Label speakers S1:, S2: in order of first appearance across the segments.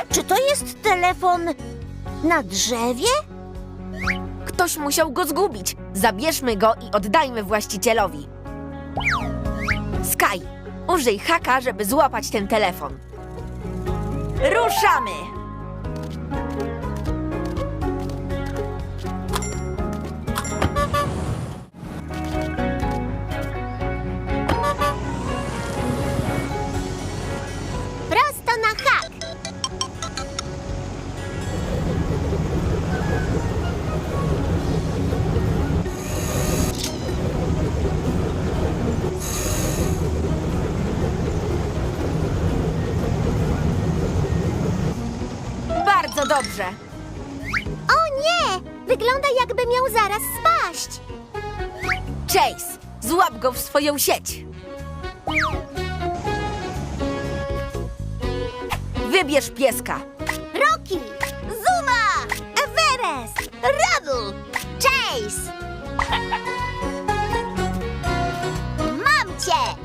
S1: Czy to jest telefon na drzewie?
S2: Ktoś musiał go zgubić. Zabierzmy go i oddajmy właścicielowi. Sky, użyj haka, żeby złapać ten telefon. Ruszamy!
S1: Prosto na hak.
S2: Bardzo dobrze.
S1: O nie! Wygląda, jakby miał zaraz spaść.
S2: Chase, złap go w swoją sieć. Wybierz pieska.
S1: Rocky, Zuma, Everest, Rubble, Chase. Mam cię!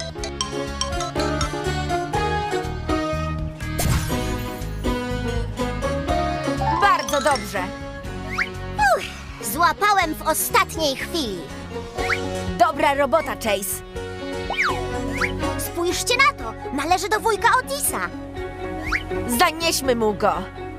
S2: Bardzo dobrze.
S1: Złapałem w ostatniej chwili.
S2: Dobra robota, Chase.
S1: Spójrzcie na to! Należy do wujka Otisa.
S2: Zanieśmy mu go.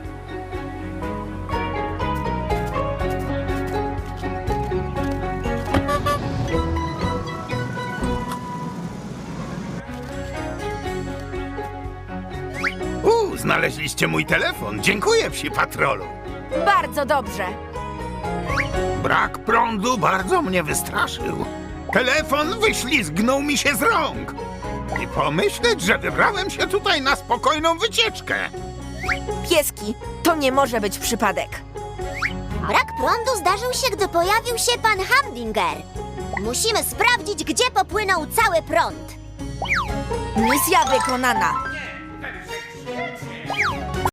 S3: Znaleźliście mój telefon. Dziękuję, psi patrolu.
S2: Bardzo dobrze.
S3: Brak prądu bardzo mnie wystraszył. Telefon wyślizgnął mi się z rąk. I pomyśleć, że wybrałem się tutaj na spokojną wycieczkę.
S2: Pieski, to nie może być przypadek.
S1: Brak prądu zdarzył się, gdy pojawił się pan Hamdinger. Musimy sprawdzić, gdzie popłynął cały prąd.
S2: Misja wykonana.